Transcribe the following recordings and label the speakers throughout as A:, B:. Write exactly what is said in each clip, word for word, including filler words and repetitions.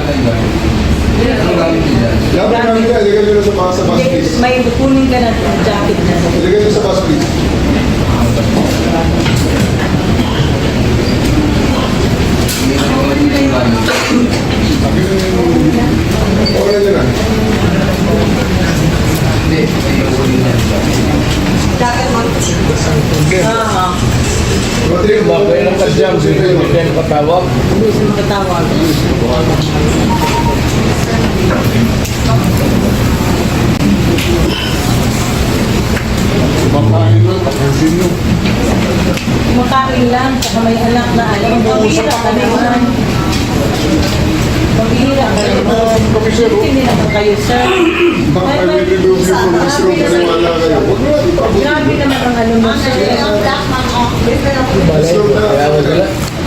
A: Ano gamit niyo dyan?
B: Dapat namin ka, ilagay nyo na sa bus, sa bus, please.
C: May kunin ka na yung jacket na.
B: Ilagay nyo sa bus, please. Oran nyo na.
A: Hindi, yung kunin niya.
C: Jacket mo? Oo.
B: Matrik mo.
D: Bakit lang kadyang sila hindi tayo patawag?
C: Hindi siya makatawag.
B: Kumakain lang, pakasin nyo.
C: Kumakain lang, saka may anak na alam. Pabihira ka naman. Pabihira ka naman.
B: Kami, sir, oh.
C: Hindi naman kayo, sir.
B: Baka
C: May-
B: may
C: may-
B: remove you from this room, paniwala kayo. Huwag mo natin pabuti.
C: Grabe naman ang ano mo, sir.
B: This room na.
D: Kaya mo sila?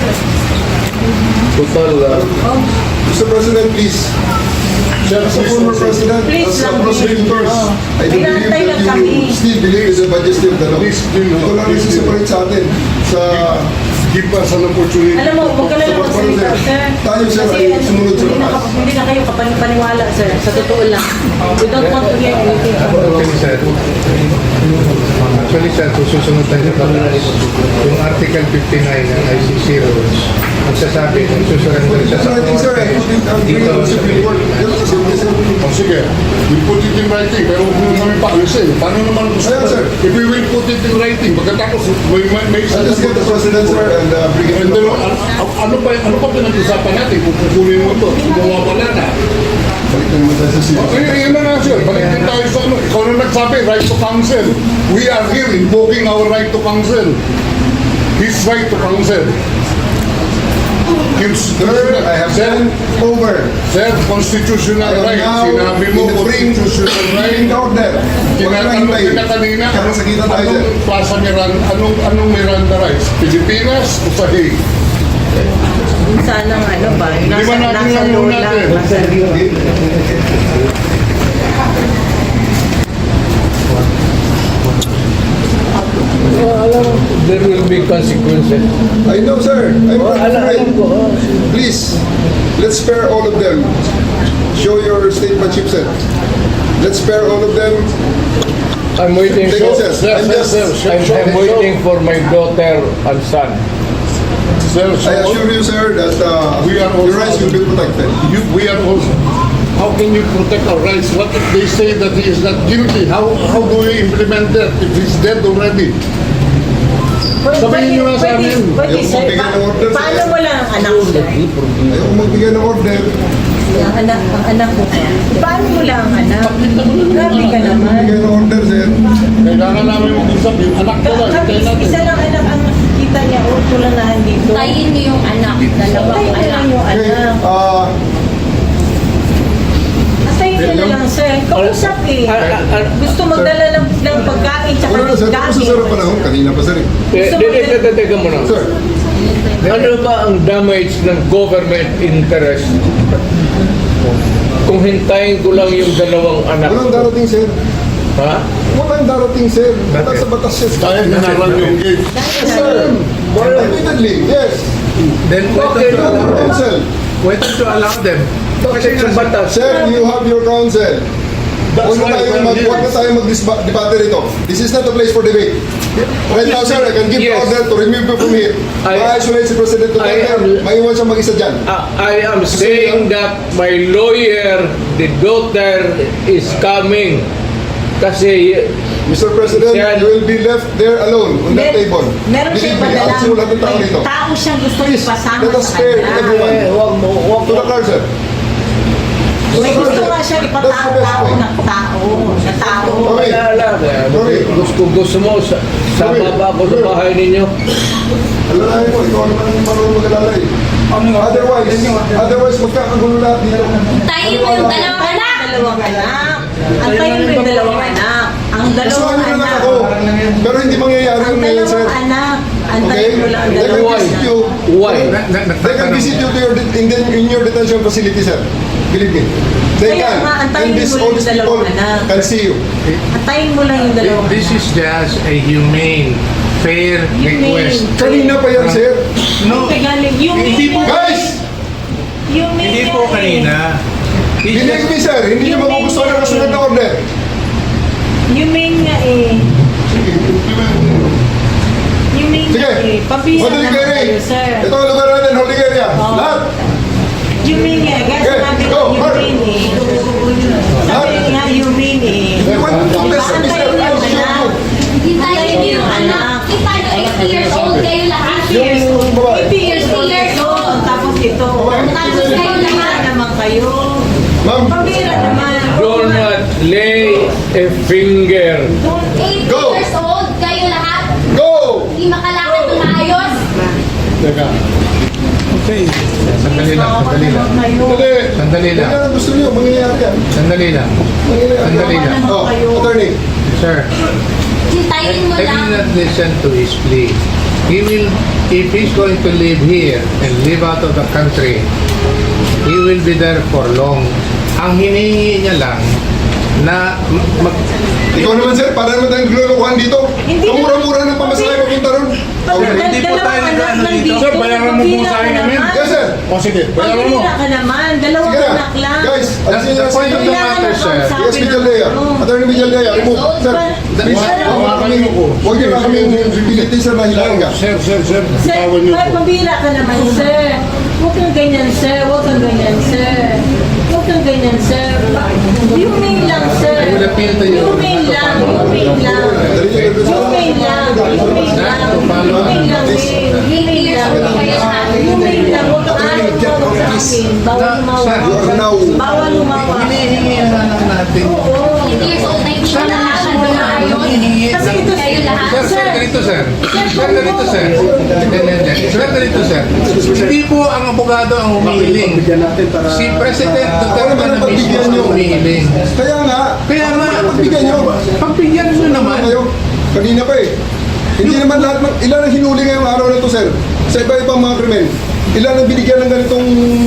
D: Total, uh,
C: Oh,
B: Mister President, please. As a former president,
C: Please
B: as a
C: lang,
B: prosecutors,
C: oh.
B: I do believe
C: Pinantay lang
B: that
C: kami.
B: you still believe in the majesty of the law. Ito lang yung separate sa atin. Sa give us an opportunity.
C: alam mo, huwag ka na lang
B: Sa
C: magsalita,
B: pagpapalit.
C: sir.
B: Tayo, sir,
C: Kasi
B: ay
C: ano,
B: sumunod sa
C: hindi na,
B: batas.
C: hindi na kayo kapanipaniwala, sir. Sa totoo lang. We don't want to hear anything.
E: Actually, sir, actually, sir, kung susunod tayo sa batas, yung Article fifty-nine ng I C C rules, magsasabi kung susurrender siya sa
B: I think, sir, I
E: korte,
B: put it down
E: dito
B: here on
E: sa
B: Supreme Court. Ganun kasi, sir.
F: O sige, we put it in writing, pero huwag mo namin paalisin. Paano naman gusto
B: Ayan, sir.
F: If we will put it in writing, pagkatapos may, may, may
B: I'll just get the president, sir, and uh, bring it
F: And
B: to
F: then,
B: the court.
F: ano, ano pa ano pa pinag-usapan natin kung kukunin mo to? Gumawa pala na.
B: Balik na naman tayo sa
F: O,
B: series.
F: yun, yun na nga sir, balik din tayo sa ano. Ikaw na nagsabi, right to counsel. We are here invoking our right to counsel. His right to counsel. Gives,
B: Sir, I have
F: sir,
B: sent over.
F: sir, constitutional
B: I am
F: right.
B: now
F: Sinabi mo,
B: in the ring,
F: constitutional right.
B: ring order. Huwag na
F: Tinatanong
B: hintay.
F: kita kanina,
B: Kaya sa kita tayo, sir.
F: anong Plaza Miranda, anong, anong Miranda rights? Pilipinas o sa Hague?
C: Sana nga, ano ba?
F: Di ba
C: Nasa,
F: natin
C: nasa
F: lang
C: loob
F: natin?
C: lang. Nasa
D: uh, alam mo, there will be consequences.
B: I know, sir. I'm
D: Oh,
B: not
D: alam,
B: afraid.
D: alam ko, oh.
B: Please, let's spare all of them. Show your statesmanship, sir. Let's spare all of them.
D: I'm waiting
B: Take
D: for,
B: it, sir. I'm just,
D: I'm, I'm waiting for my daughter and son.
F: Sir,
B: I
F: so
B: assure you, sir, that uh,
F: We are
B: your
F: also-
B: rights will be protected.
F: you, we are also, how can you protect our rights? What if they say that he is not guilty? How how do we implement that if he's dead already? Sabihin niyo nga sa
C: Pwede,
F: amin.
C: pwede,
B: Ayaw
C: sir.
B: magbigay
C: Pa-
B: ng order, sir.
C: Paano mo lang ang anak mo, sir?
B: Ayaw magbigay ng order.
C: Ang anak, ang anak mo. Paano mo lang ang anak? Grabe ka naman.
B: Magbigay ng order, sir.
F: Kailangan namin mag-usap yung anak ko lang.
C: Kami,
F: Hintayin natin.
C: isa lang anak ang nakikita niya o tulanahan dito.
G: Tayin niyo yung anak, dalawang
C: Tayin na lang
G: anak.
C: yung
B: Okay,
C: anak.
B: uh,
C: Tayin niya na lang, sir. Kausap eh. Gusto magdala ng, ng pagkain tsaka
B: wala na, sir. Tapos sa sarap panahon. Kanina pa, sir. eh.
D: Eh, di- di- di- Teka muna.
B: Sir,
D: Ano ba ang damage ng government interest kung hintayin ko lang yung dalawang anak
B: walang
D: ko?
B: darating, sir.
D: Ha?
B: Walang darating, sir. Batas sa batas, sir.
F: Kaya na lang yung gate.
B: Yes, sir. Admittedly, yes.
E: then why
D: Okay,
E: don't you allow them?
B: Counsel.
E: Why don't you allow them?
D: Bakit sa batas?
B: Sir, you have your counsel.
F: That's
B: Huwag na
F: why
B: tayo
F: we're
B: mag
F: here.
B: huwag na tayo mag-debate rito. This is not a place for debate. Right now, sir, I can give
D: Yes.
B: order to remove you from here.
D: I-
B: Ma-isolate si President
D: I
B: Duterte.
D: am-
B: Maiwan siya mag-isa dyan.
D: Uh, I am saying that my lawyer, the daughter, is coming. Kasi
B: Mister President,
D: Sir.
B: you will be left there alone on that
C: Mer-
B: table.
C: Meron siyang
B: Believe me,
C: padala.
B: at simulat ng tao
C: May
B: dito.
C: tao siyang gusto
B: Please,
C: ipasama
B: let us
C: sa
B: spare
C: kanya.
B: everyone.
D: eh, wag mo, wag
B: To
D: mo.
B: the car, sir.
C: May gusto nga siya
B: That's the best
C: ipatao
B: way.
C: ng tao. Na tao.
B: Okay.
D: Wala lang. eh.
B: Sorry.
D: Gusto, gusto mo, sa, sama ba ako sa bahay ninyo?
B: Alalahin mo, ikaw naman ang marunong mag-alala eh. Otherwise, otherwise magkakagulo lahat dito.
G: Tayin mo yung dalawang anak.
C: Dalawang anak. Antayin mo yung dalawang anak. Ang
B: Kasuhan
C: dalawang
B: nyo na lang
C: anak.
B: ako. Pero hindi mangyayari
C: Ang
B: yun ngayon, sir.
C: dalawang anak.
B: Okay?
C: Antayin mo lang ang
B: They can
C: dalawang
B: visit
C: anak.
B: you.
D: Why?
E: Na- na-
B: They can visit you to your det- in, the, in your detention facility, sir. Believe me. They
C: Kaya
B: can.
C: nga, antayin
B: And this,
C: mo
B: all
C: yung
B: these
C: dalawang
B: people
C: anak.
B: can see you.
C: Antayin mo lang yung dalawang
E: This
C: anak.
E: is just a humane, fair request.
B: Kanina pa yan, sir.
E: No,
C: Kaya galing, you
E: Hindi
C: mean
E: po-
C: yan.
B: Guys!
C: You mean
E: hindi
C: yan
E: po
C: eh.
E: kanina.
B: Believe me, sir, hindi niyo magugustuhan ang kasunod na order.
C: You mean nga eh. You mean
B: Sige,
C: nga eh. Pabira
B: holding
C: naman
B: area.
C: kayo, sir.
B: Ito ang lugar natin, holding area.
C: Oh.
B: Lahat.
C: You mean nga. Guys,
B: Okay,
C: sabi
B: go,
C: ko, you
B: Mark.
C: mean eh. Sabi nga, you mean eh.
B: You want to mess up, mister?
C: Antayin
B: I'll
C: yung
B: show
C: anak.
B: you.
G: Hintayin niyo yung anak. Kita niyo, eighty years old kayo lahat.
B: Yung babae.
C: eighty years old. Tapos ito.
G: Tapos kayo
C: Pabira
G: lahat.
C: naman kayo.
B: Ma'am,
C: Pabira naman.
D: Do not lay a finger.
G: eighty
B: Go.
G: years old kayo lahat.
B: go!
G: Hindi makalakad ng maayos.
F: Teka.
E: Sandali lang, sandali lang.
F: Dali.
E: Sandali
B: Yan
E: lang.
B: ang gusto niyo, mangyayari yan.
E: Sandali lang.
B: Mangyayari
E: Sandali
B: yan.
E: lang.
B: Oh, attorney.
E: Sir,
G: Hintayin mo
E: I
G: lang.
E: will not listen to his plea. He will, if he's going to live here and live out of the country, he will be there for long. Ang hinihingi niya lang na mag,
B: Ikaw naman, sir, para naman tayong naglulukuhan dito.
C: Hindi na-
B: Kamura-mura ng pamasahe papunta ron.
C: Hindi po tayo nag-ano dito.
F: Sir, bayaran mo po sa akin namin.
B: Yes, sir.
F: O sige, bayaran mo.
C: Pabira ka naman. Dalawang
B: Sige na.
C: anak lang.
B: Guys,
E: That's
B: alisin niyo
E: the
B: na
E: point of the
B: si
E: matter, sir.
B: Yes, Vijaldea. Attorney Vijaldea, remove. Sir, please,
F: Wala-
B: huwag
F: wala
B: kami,
F: kami ko.
B: huwag niyo na kami pilitin, sir, na hilahin ka.
F: Sir, sir, sir.
C: Sir,
F: Tawag niyo
C: may
F: po.
C: pambira ka naman, sir. Huwag kang ganyan, sir. Huwag kang ganyan, sir. Huwag kang ganyan, sir. Humane lang, sir.
E: I will appeal to you.
C: Humane lang, humane lang. Humane lang, humane lang. Humane lang, eh. Humane lang, eh. Humane lang. Huwag kang ayaw tumawag sa akin. Bawal
E: Sir,
B: You are
C: lumawa.
B: now,
C: Bawal lumawa.
E: hinihingi na lang natin.
G: eighty years old na hindi makalakad ng maayos.
C: Kasi ito,
G: Kayo lahat.
E: Sir, sir, ganito sir. Sir, ganito sir. Hindi, hindi, hindi. Sir, ganito sir. Hindi po ang abogado ang humihiling. Si President Duterte na mismo ang humihiling.
B: kaya nga,
E: Kaya nga,
B: pagbigyan niyo.
E: pagbigyan mo naman.
B: Kayo, kanina pa eh. Hindi naman lahat, ng, ilan ang hinuli ngayong araw na to, sir? Sa iba-ibang mga krimen. Ilan ang binigyan ng ganitong...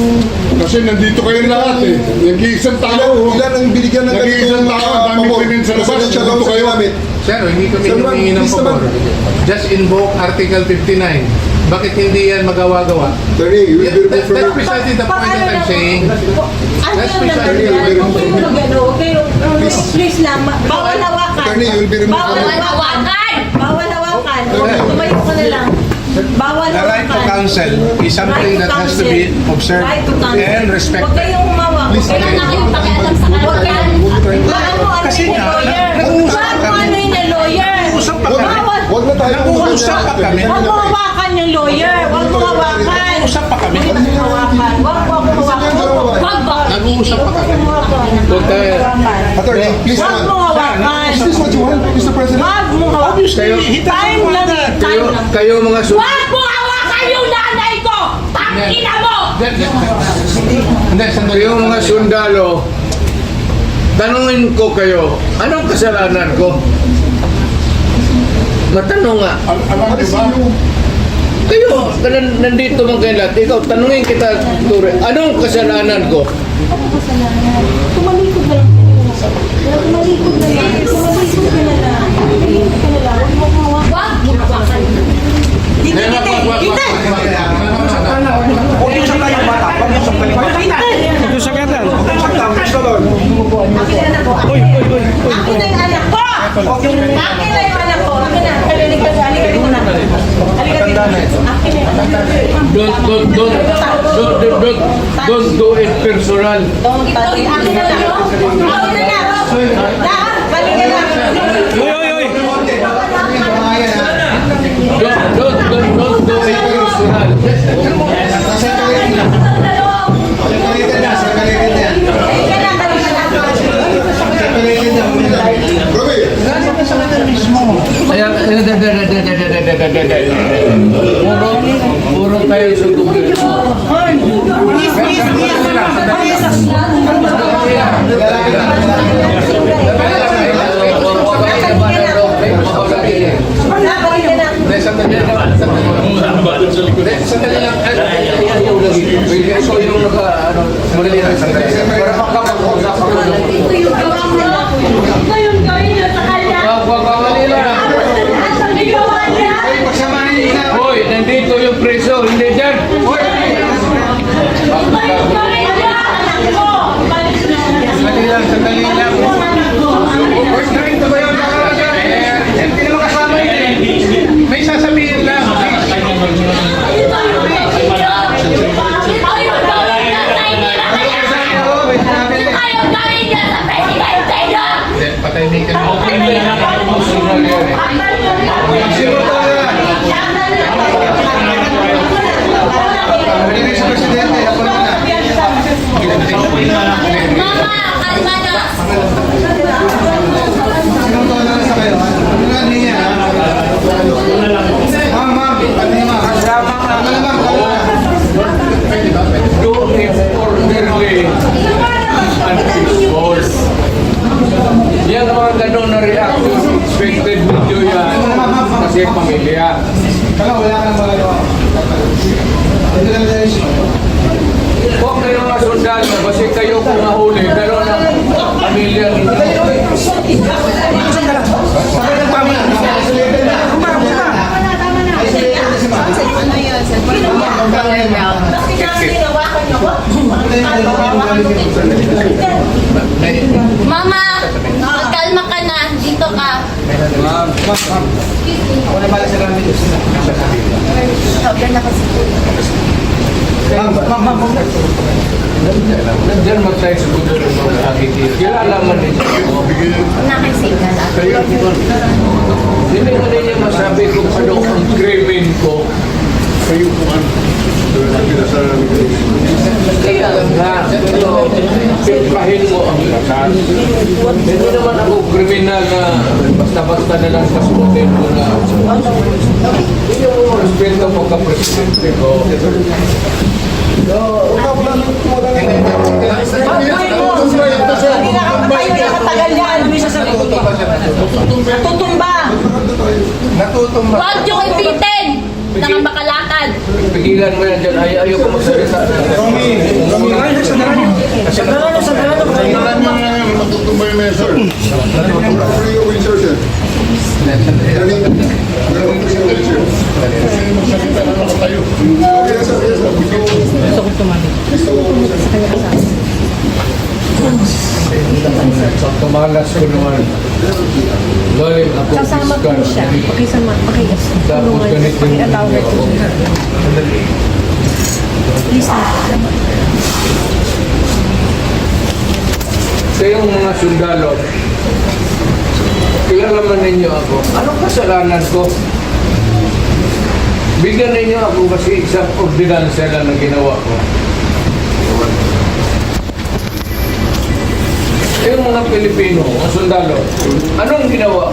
F: Kasi nandito kayo lahat eh. Nag-iisang
B: Ilan,
F: tao.
B: ilan ang binigyan ng
F: Nag-iisang
B: ganitong...
F: tao, ang daming
B: pabor
F: krimen sa labas.
B: Presidential
F: Nandito
B: law sa
F: kayo.
B: ginamit.
E: Sir, hindi kami
B: Sir,
E: humingi ng
B: please
E: pabor.
B: naman.
E: Just invoke Article fifty-nine. Bakit hindi yan magawa-gawa?
B: Attorney, you will
E: Yeah,
B: be
E: that,
B: removed from
E: that's
B: your...
E: precisely the point that I'm saying.
C: Ano
E: That's
C: yun naman
E: precisely
C: yan?
B: the
C: Huwag kayo mag-ano. Huwag kayo, please lang. ma- Bawal hawakan.
B: Attorney, you will be removed
C: Bawal
B: from your...
C: hawakan. Bawal hawakan. Tumayo ka na lang. Bawal
H: The right to
C: hawakan.
H: counsel is something
C: Right to
H: that has to be
C: counsel.
H: observed
C: Right to counsel.
H: and
C: Huwag
H: respected.
C: kayong humawak. Huwag
G: Wala
C: kayong
G: na kayong pakialam sa
C: Huwag
G: kalagayan.
C: kayong... Paano ano
H: Kasi
C: yung
H: nga,
C: lawyer?
H: nag-uusap
C: Paano
H: kami.
C: ano yung lawyer?
H: Nag-uusap pa kami.
C: Bawal.
B: Huwag na tayo...
H: Nag-uusap pa kami.
C: Huwag mo hawakan yung lawyer. Huwag mo hawakan.
H: Usap pa kami.
C: Huwag mo hawakan. Huwag mo hawakan.
G: Wag ba?
E: Nag-uusap pa kami.
D: Huwag tayo.
B: Attorney, please
C: Huwag mo
B: naman.
C: hawakan.
B: Is this what you want, Mister President?
C: Huwag mo hawakan.
D: Kayo,
C: Time lang eh. Time
D: kayo,
C: lang.
D: kayo mga su...
G: Wag mo hawakan yung nanay ko! Tangina mo!
E: Hindi, sandali.
D: Kayo mga sundalo, tanungin ko kayo, anong kasalanan ko? Matanong nga.
F: Al- Alam niyo ba?
D: Kayo, nan- nandito mga kayo lahat. Ikaw, tanungin kita, Ture, anong kasalanan ko?
C: Tumalikod na lang. Tumalikod na lang. Tumalikod ka na lang. Tumalikod ka na lang. Huwag mo hawakan.
G: Wag mo hawakan.
C: Dito,
E: Wag,
C: dito,
E: wag, wag,
C: dito.
E: wag, wag, wag.
H: Huwag yung saktan yung bata. Huwag yung saktan yung bata. Huwag yung saktan. Huwag yung saktan. Gusto doon.
C: Akin na anak ko. Akin na yung anak ko. Akin na yung anak ko. Akin na. Halika ka. Halika ka muna. Halika dito. Akin na yung anak ko.
D: Don't, don't, don't, don't, don't, don't, don't do it personal.
C: Don't touch it. Akin na lang. Akin na lang. Lahat. Balik ka lang.
D: Don't, don't, don't, don't do it personal.
C: Halika lang.
B: Robbie,
D: Kaya, puro, puro tayo sa gobyerno.
C: Balik ka lang.
E: Hindi, sandali lang. Hindi, sandali lang. Ay, ayaw lagi. Ikaw yung naka, ano, madali lang. Sandali. Para makapag-usap ako.
G: Ito yung gawa mo. Ito yung gawin niyo sa kanya.
D: Wag, wag, wag, Manila.
G: Ang gawa niya.
D: Hoy, nandito yung preso, hindi dyan. Hoy!
G: Ito yung gawin niya. Anak ko. Balik
D: personal yan eh.
B: Sino to yan? Narinig sa presidente. Ako na.
G: Mama, kalma na.
B: Sino to na sa kayo? Ano nga niya? Ma'am, ma'am. Ano niya, ma'am? Ano na, ma'am?
D: Do it orderly and peaceful. Yan mga ganun na reaction, expected video yan kasi pamilya.
B: Kala, wala ka nang magagawa. Ito na lang siya.
D: Huwag kayo mga sundalo, kasi kayo kung mahuli, ganun ang pamilya ninyo.
G: Mama, magkalma ka na. Dito ka.
H: Ako na bala sa gamit.
G: Sobrang na kasi.
H: Ma'am, ma'am, ma'am.
D: Nandiyan mag tayo sa gulo ng mga agiti. Kilala man ninyo.
G: Nakisave na lang.
D: Hindi mo ninyo masabi kung ano ang krimen ko.
F: Kayo po ang
D: Kaya nga, pero simplahin mo ang kasal. Hindi naman ako kriminal na basta-basta na lang pasukin ko na. Hindi mo respeto pagka-presidente ko.
C: Hindi na ka tayo nakatagal yan. Tutumba.
E: Natutumba.
G: Huwag yung ipitin. Nakabakalakad.
D: Pigilan mo yan dyan. Ay, ayaw ko magsalita.
F: Kailangan nyo na yan, matutumba yung mesa.
B: Free of insertion. Galing. Galing po siya, sir.
F: Magsalita na naman tayo.
B: Okay na, sir. Yes, sir. Gusto ko tumali. Gusto ko
D: Tumalas ko naman. Galing ako.
C: Kasama po siya. Pakisama. Pakiyas.
D: Tapos ganito yung
C: I-allow her to do her. Please na.
D: Kayong mga sundalo, kilala man ninyo ako. Anong kasalanan ko? Bigyan ninyo ako kasi isang ordinansya lang na ginawa ko. Kayong mga Pilipino, mga sundalo, anong ginawa